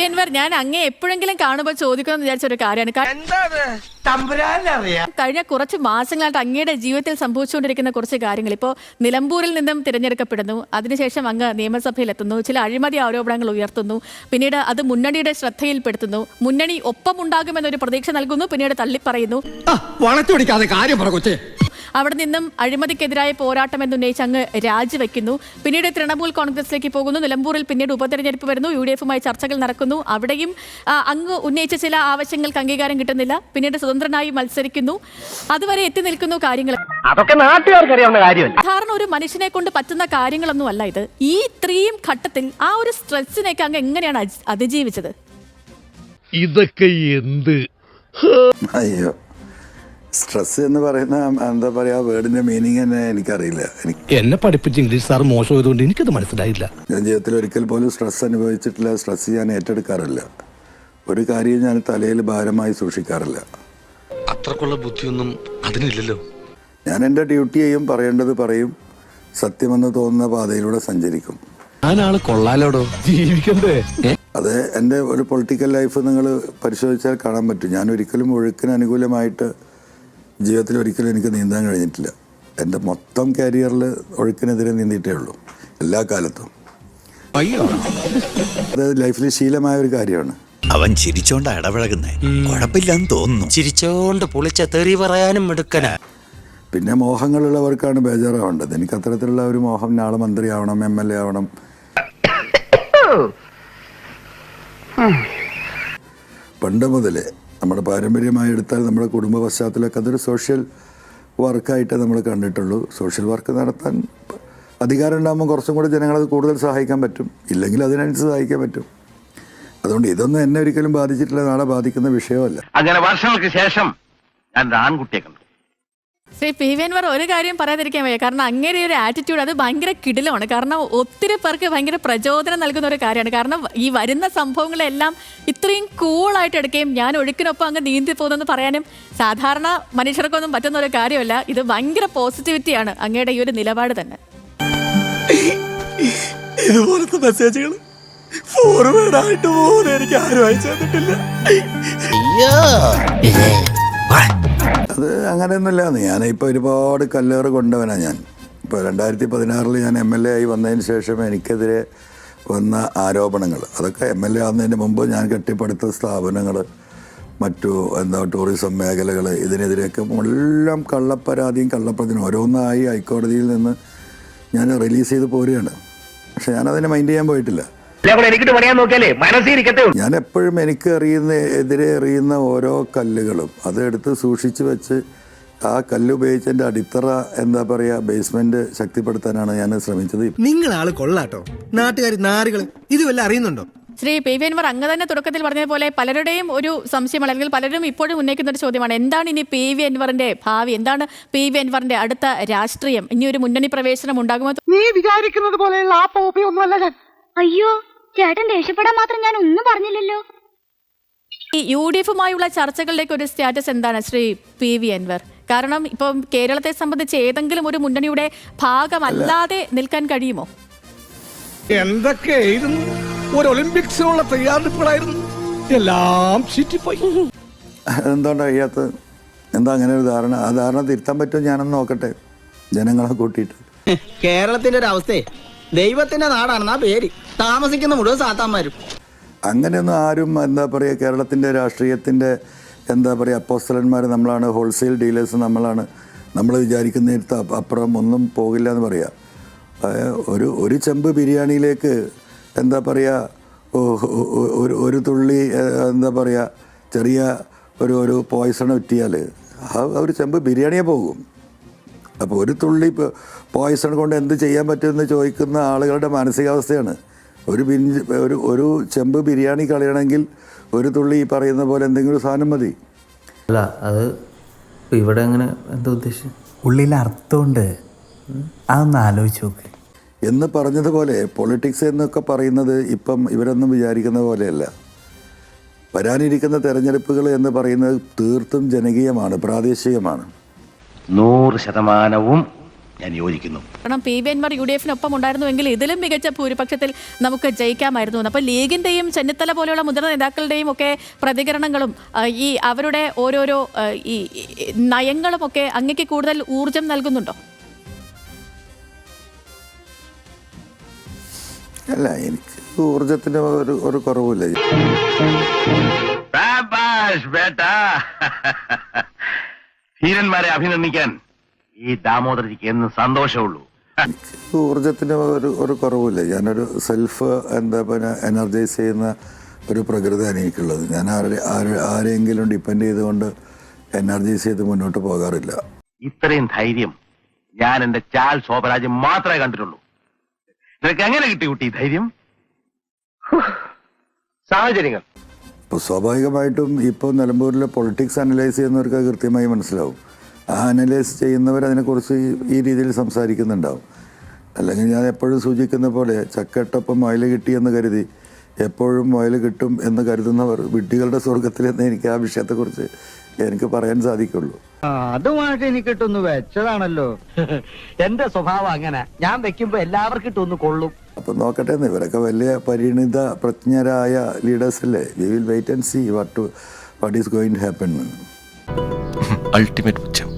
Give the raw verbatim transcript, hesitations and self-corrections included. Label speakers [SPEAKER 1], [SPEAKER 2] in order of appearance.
[SPEAKER 1] അൻവർ, ഞാൻ അങ്ങേ എപ്പോഴെങ്കിലും കാണുമ്പോൾ ചോദിക്കണമെന്ന് വിചാരിച്ച ഒരു കാര്യമാണ്. കഴിഞ്ഞ കുറച്ച് മാസങ്ങളായിട്ട് അങ്ങയുടെ ജീവിതത്തിൽ സംഭവിച്ചുകൊണ്ടിരിക്കുന്ന കുറച്ച് കാര്യങ്ങൾ. ഇപ്പോൾ നിലമ്പൂരിൽ നിന്നും തിരഞ്ഞെടുക്കപ്പെടുന്നു, അതിനുശേഷം അങ്ങ് നിയമസഭയിൽ എത്തുന്നു, ചില അഴിമതി ആരോപണങ്ങൾ ഉയർത്തുന്നു, പിന്നീട് അത് മുന്നണിയുടെ ശ്രദ്ധയിൽപ്പെടുത്തുന്നു, മുന്നണി ഒപ്പമുണ്ടാകുമെന്നൊരു പ്രതീക്ഷ നൽകുന്നു, പിന്നീട് തള്ളിപ്പറയുന്നു. അവിടെ നിന്നും അഴിമതിക്കെതിരായ പോരാട്ടം എന്നുന്നയിച്ച് അങ്ങ് രാജിവെക്കുന്നു. പിന്നീട് തൃണമൂൽ കോൺഗ്രസിലേക്ക് പോകുന്നു. നിലമ്പൂരിൽ പിന്നീട് ഉപതെരഞ്ഞെടുപ്പ് വരുന്നു, യു ഡി എഫുമായി ചർച്ചകൾ നടക്കുന്നു. അവിടെയും അങ്ങ് ഉന്നയിച്ച ചില ആവശ്യങ്ങൾക്ക് അംഗീകാരം കിട്ടുന്നില്ല. പിന്നീട് സ്വതന്ത്രനായി മത്സരിക്കുന്നു. അതുവരെ എത്തി നിൽക്കുന്നു കാര്യങ്ങൾ.
[SPEAKER 2] അതൊക്കെ നാട്ടുകാർക്ക് അറിയാവുന്ന കാര്യമല്ല.
[SPEAKER 1] സാധാരണ ഒരു മനുഷ്യനെ കൊണ്ട് പറ്റുന്ന കാര്യങ്ങളൊന്നും അല്ല ഇത്. ഈ ഇത്രയും ഘട്ടത്തിൽ ആ ഒരു സ്ട്രെസ്സിനേക്ക് അങ്ങ് എങ്ങനെയാണ് അതിജീവിച്ചത്?
[SPEAKER 3] ഇതൊക്കെ എന്ത്
[SPEAKER 4] അയ്യോ, സ്ട്രെസ് എന്ന് പറയുന്ന എന്താ പറയാ വേർഡിന്റെ മീനിങ് തന്നെ എനിക്കറിയില്ല.
[SPEAKER 3] എന്നെ പഠിപ്പിച്ച ഇംഗ്ലീഷ് സാർ മോശമായതുകൊണ്ട് എനിക്കത് മനസ്സിലായില്ല.
[SPEAKER 4] ഞാൻ ജീവിതത്തിൽ ഒരിക്കൽ പോലും സ്ട്രെസ് അനുഭവിച്ചിട്ടില്ല. സ്ട്രെസ് ഞാൻ ഏറ്റെടുക്കാറില്ല. ഒരു കാര്യം ഞാൻ തലയിൽ ഭാരമായി സൂക്ഷിക്കാറില്ല.
[SPEAKER 5] അത്രക്കുള്ള ബുദ്ധിയൊന്നും അതിനില്ലല്ലോ.
[SPEAKER 4] ഞാൻ എൻ്റെ ഡ്യൂട്ടി ചെയ്യും, പറയേണ്ടത് പറയും, സത്യമെന്ന് തോന്നുന്ന പാതയിലൂടെ സഞ്ചരിക്കും.
[SPEAKER 3] ഞാനാള് കൊള്ളാലോടോ, ജീവിക്കണ്ടേ?
[SPEAKER 4] അത് എൻ്റെ ഒരു പൊളിറ്റിക്കൽ ലൈഫ് നിങ്ങൾ പരിശോധിച്ചാൽ കാണാൻ പറ്റും. ഞാൻ ഒരിക്കലും ഒഴുക്കിന് അനുകൂലമായിട്ട് ജീവിതത്തിൽ ഒരിക്കലും എനിക്ക് നീന്താൻ കഴിഞ്ഞിട്ടില്ല. എൻ്റെ മൊത്തം കരിയറിൽ ഒഴുക്കിനെതിരെ നീന്തിയിട്ടേ ഉള്ളൂ, എല്ലാ കാലത്തും. അത് ലൈഫിൽ ശീലമായ ഒരു കാര്യമാണ്.
[SPEAKER 6] അവൻ ചിരിച്ചോണ്ട് ഇടപഴകുന്നേ, കുഴപ്പമില്ലെന്ന് തോന്നുന്നു.
[SPEAKER 2] ചിരിച്ചോണ്ട് പൊളിച്ച തെറി പറയാനും എടുക്കന.
[SPEAKER 4] പിന്നെ മോഹങ്ങളുള്ളവർക്കാണ് ബേജാറാവേണ്ടത്. എനിക്ക് അത്തരത്തിലുള്ള ഒരു മോഹം, നാളെ മന്ത്രിയാവണം, എം എൽ എ ആവണം. പണ്ട് മുതലേ നമ്മുടെ പാരമ്പര്യമായി എടുത്താൽ നമ്മുടെ കുടുംബ പശ്ചാത്തലമൊക്കെ അതൊരു സോഷ്യൽ വർക്കായിട്ടേ നമ്മൾ കണ്ടിട്ടുള്ളൂ. സോഷ്യൽ വർക്ക് നടത്താൻ അധികാരം ഉണ്ടാകുമ്പോൾ കുറച്ചും കൂടി ജനങ്ങളത് കൂടുതൽ സഹായിക്കാൻ പറ്റും, ഇല്ലെങ്കിൽ അതിനനുസരിച്ച് സഹായിക്കാൻ പറ്റും. അതുകൊണ്ട് ഇതൊന്നും എന്നെ ഒരിക്കലും ബാധിച്ചിട്ടില്ല, നാളെ ബാധിക്കുന്ന വിഷയമല്ല.
[SPEAKER 2] അങ്ങനെ വർഷങ്ങൾക്ക് ശേഷം ഞാൻ ആൺകുട്ടിയെ കണ്ടു.
[SPEAKER 1] ശ്രീ പി വി അൻവർ, ഒരു കാര്യം പറയാതിരിക്കാൻ വയ്യ. കാരണം അങ്ങനെ ഒരു ആറ്റിറ്റ്യൂഡ് അത് ഭയങ്കര കിടിലമാണ്. കാരണം ഒത്തിരി പേർക്ക് ഭയങ്കര പ്രചോദനം നൽകുന്ന ഒരു കാര്യമാണ്. കാരണം ഈ വരുന്ന സംഭവങ്ങളെല്ലാം ഇത്രയും കൂളായിട്ട് എടുക്കുകയും ഞാൻ ഒഴുക്കിനൊപ്പം അങ്ങ് നീന്തി പോകുന്നെന്ന് പറയാനും സാധാരണ മനുഷ്യർക്കൊന്നും പറ്റുന്ന ഒരു കാര്യമല്ല. ഇത് ഭയങ്കര പോസിറ്റിവിറ്റിയാണ് അങ്ങയുടെ ഈ ഒരു നിലപാട് തന്നെ.
[SPEAKER 6] ഇതുപോലത്തെ മെസ്സേജുകൾ ഫോർവേഡായിട്ട് പോലും എനിക്ക് ആരും അയച്ചു തന്നിട്ടില്ല.
[SPEAKER 4] അത് അങ്ങനെയൊന്നുമില്ല. ഞാൻ ഇപ്പോൾ ഒരുപാട് കല്ലേറ് കൊണ്ടവനാണ്. ഞാൻ ഇപ്പോൾ രണ്ടായിരത്തി പതിനാറിൽ ഞാൻ എം എൽ എ ആയി വന്നതിന് ശേഷം എനിക്കെതിരെ വന്ന ആരോപണങ്ങൾ, അതൊക്കെ എം എൽ എ ആവുന്നതിന് മുമ്പ് ഞാൻ കെട്ടിപ്പടുത്ത സ്ഥാപനങ്ങൾ, മറ്റു എന്താ ടൂറിസം മേഖലകൾ, ഇതിനെതിരെയൊക്കെ എല്ലാം കള്ളപ്പരാതിയും കള്ളപ്രതിനും ഓരോന്നായി ഹൈക്കോടതിയിൽ നിന്ന് ഞാൻ റിലീസ് ചെയ്ത് പോരുകയാണ്. പക്ഷെ ഞാനതിനെ മൈൻഡ് ചെയ്യാൻ പോയിട്ടില്ല. ഞാൻ എപ്പോഴും എനിക്ക് എറിയുന്ന എതിരെ എറിയുന്ന ഓരോ കല്ലുകളും അതെടുത്ത് സൂക്ഷിച്ചു വെച്ച് ആ കല്ല് ഉപയോഗിച്ച് എൻ്റെ അടിത്തറ എന്താ പറയുക ബേസ്മെന്റ് ശക്തിപ്പെടുത്താനാണ് ഞാൻ ശ്രമിച്ചത്.
[SPEAKER 7] നിങ്ങളാള് കൊള്ളാട്ടോ, നാട്ടുകാർ നാറുകൾ ഇത് വല്ല അറിയുന്നുണ്ടോ?
[SPEAKER 1] ശ്രീ പി വി അൻവർ, അങ്ങ് തന്നെ തുടക്കത്തിൽ പറഞ്ഞതുപോലെ പലരുടെയും ഒരു സംശയമാണ്, അല്ലെങ്കിൽ പലരും ഇപ്പോഴും ഉന്നയിക്കുന്ന ഒരു ചോദ്യമാണ്, എന്താണ് ഇനി പി വി അൻവറിന്റെ ഭാവി? എന്താണ് പി വി അൻവറിന്റെ അടുത്ത രാഷ്ട്രീയം? ഇനി ഒരു മുന്നണി പ്രവേശനം ഉണ്ടാകുമോ?
[SPEAKER 2] നീ വിചാരിക്കുന്നത് പോലെയുള്ള ആ പോപ്പിയൊന്നുമല്ല ഞാൻ.
[SPEAKER 8] അയ്യോ ചേട്ടൻ ദേഷ്യപ്പെടാൻ മാത്രം ഞാൻ ഒന്നും പറഞ്ഞില്ലല്ലോ.
[SPEAKER 1] ഈ യു ഡി എഫുമായുള്ള ചർച്ചകളിലേക്ക് ഒരു സ്റ്റാറ്റസ് എന്താണ് ശ്രീ പി വി അൻവർ? കാരണം ഇപ്പം കേരളത്തെ സംബന്ധിച്ച് ഏതെങ്കിലും ഒരു മുന്നണിയുടെ ഭാഗമല്ലാതെ നിൽക്കാൻ കഴിയുമോ?
[SPEAKER 3] എന്തൊക്കെയായിരുന്നു ഒരു ഒളിമ്പിക്സിനുള്ള തയ്യാറെടുപ്പുകളായിരുന്നു, എല്ലാം ചീറ്റിപ്പോയി.
[SPEAKER 4] എന്തുകൊണ്ടാണ് കഴിയാത്തത്? എന്താ അങ്ങനെ ഒരു ധാരണ? ആ ധാരണ തിരുത്താൻ പറ്റുമോ ഞാനൊന്ന് നോക്കട്ടെ, ജനങ്ങളെ കൂട്ടിയിട്ട്.
[SPEAKER 7] കേരളത്തിന്റെ ഒരു അവസ്ഥയെ ദൈവത്തിന്റെ നാടാണെന്നാ പേര്, താമസിക്കുന്ന മുഴുവൻ സാത്താന്മാരും.
[SPEAKER 4] അങ്ങനെയൊന്നും ആരും എന്താ പറയുക കേരളത്തിൻ്റെ രാഷ്ട്രീയത്തിൻ്റെ എന്താ പറയുക അപ്പോസ്തലന്മാർ നമ്മളാണ്, ഹോൾസെയിൽ ഡീലേഴ്സ് നമ്മളാണ്, നമ്മൾ വിചാരിക്കുന്നിടത്ത് അപ്പുറം ഒന്നും പോകില്ല എന്ന് പറയാം. ഒരു ഒരു ചെമ്പ് ബിരിയാണിയിലേക്ക് എന്താ പറയുക ഒരു ഒരു തുള്ളി എന്താ പറയുക ചെറിയ ഒരു ഒരു പോയ്സൺ ഉറ്റിയാൽ ആ ഒരു ചെമ്പ് ബിരിയാണിയെ പോകും. അപ്പോൾ ഒരു തുള്ളി പോയ്സൺ കൊണ്ട് എന്ത് ചെയ്യാൻ പറ്റുമെന്ന് ചോദിക്കുന്ന ആളുകളുടെ മാനസികാവസ്ഥയാണ്. ഒരു ബിഞ്ച് ഒരു ഒരു ചെമ്പ് ബിരിയാണി കളയണമെങ്കിൽ ഒരു തുള്ളി ഈ പറയുന്ന പോലെ എന്തെങ്കിലും സാധനം മതി.
[SPEAKER 9] അല്ല അത് ഇവിടെ അങ്ങനെ എന്താ ഉദ്ദേശം?
[SPEAKER 6] ഉള്ളിൽ അർത്ഥമുണ്ട്, അതൊന്ന് ആലോചിച്ച് നോക്ക്
[SPEAKER 4] എന്ന് പറഞ്ഞതുപോലെ പൊളിറ്റിക്സ് എന്നൊക്കെ പറയുന്നത് ഇപ്പം ഇവരൊന്നും വിചാരിക്കുന്ന പോലെയല്ല. വരാനിരിക്കുന്ന തെരഞ്ഞെടുപ്പുകൾ എന്ന് പറയുന്നത് തീർത്തും ജനകീയമാണ്, പ്രാദേശികമാണ്.
[SPEAKER 2] നൂറ് ശതമാനവും ഞാൻ യോജിക്കുന്നു.
[SPEAKER 1] കാരണം P V Anvar U D എഫിനൊപ്പം ഉണ്ടായിരുന്നുവെങ്കിൽ ഇതിലും മികച്ച ഭൂരിപക്ഷത്തിൽ നമുക്ക് ജയിക്കാമായിരുന്നു. അപ്പോൾ ലീഗിന്റെയും ചെന്നിത്തല പോലെയുള്ള മുതിർന്ന നേതാക്കളുടെയും ഒക്കെ പ്രതികരണങ്ങളും ആ, ഈ അവരുടെ ഓരോരോ ആ, ഈ ഈ നയങ്ങളും ഒക്കെ അങ്ങേക്ക് കൂടുതൽ ഊർജം നൽകുന്നുണ്ടോ?
[SPEAKER 4] അല്ല, എനിക്ക് ഊർജത്തിന് ഒരു ഒരു കുറവില്ല.
[SPEAKER 2] ശാബാഷ് ബേട്ടാ. ധീരന്മാരെ അഭിനന്ദിക്കാൻ ഈ ദാമോദരജിക്ക് എന്ന് സന്തോഷമുള്ളൂ.
[SPEAKER 4] എനിക്ക് ഊർജത്തിന് ഒരു ഒരു കുറവില്ല. ഞാനൊരു സെൽഫ് എന്താ പിന്നെ എനർജൈസ് ചെയ്യുന്ന ഒരു പ്രകൃതിയാണ് എനിക്കുള്ളത്. ഞാൻ ആരെ ആരെ- ആരെങ്കിലും ഡിപ്പെൻഡ് ചെയ്തുകൊണ്ട് എനർജൈസ് ചെയ്ത് മുന്നോട്ട് പോകാറില്ല.
[SPEAKER 2] ഇത്രയും ധൈര്യം ഞാൻ എന്റെ ചാൽ ശോഭരാജ് മാത്രമേ കണ്ടിട്ടുള്ളൂ. നിനക്ക് എങ്ങനെ കിട്ടി കുട്ടി ധൈര്യം? സാഹചര്യങ്ങൾ.
[SPEAKER 4] ഇപ്പോൾ സ്വാഭാവികമായിട്ടും ഇപ്പോൾ നിലമ്പൂരിലെ പൊളിറ്റിക്സ് അനലൈസ് ചെയ്യുന്നവർക്ക് അത് കൃത്യമായി മനസ്സിലാവും. ആ അനലൈസ് ചെയ്യുന്നവർ അതിനെക്കുറിച്ച് ഈ- ഈ രീതിയിൽ സംസാരിക്കുന്നുണ്ടാവും. അല്ലെങ്കിൽ ഞാൻ എപ്പോഴും സൂചിക്കുന്ന പോലെ ചക്കട്ടൊപ്പം മുയൽ കിട്ടിയെന്ന് കരുതി എപ്പോഴും മുയൽ കിട്ടും എന്ന് കരുതുന്നവർ വിഡ്ഢികളുടെ സ്വർഗത്തിലെന്ന് എനിക്ക് ആ വിഷയത്തെക്കുറിച്ച് എനിക്ക് പറയാൻ സാധിക്കുള്ളൂ.
[SPEAKER 7] അതുമായിട്ട് എനിക്ക് ഇട്ടൊന്ന് വെച്ചതാണല്ലോ.
[SPEAKER 2] എന്റെ സ്വഭാവം അങ്ങനെ, ഞാൻ വെക്കുമ്പോ എല്ലാവർക്കും ഇട്ടൊന്ന് കൊള്ളും.
[SPEAKER 4] അപ്പം നോക്കട്ടെ എന്ന്, ഇവരൊക്കെ വലിയ പരിണിത പ്രജ്ഞരായ ലീഡേഴ്സ് അല്ലേ. We will wait and see what what is going to happen.
[SPEAKER 5] Ultimate പുച്ഛം.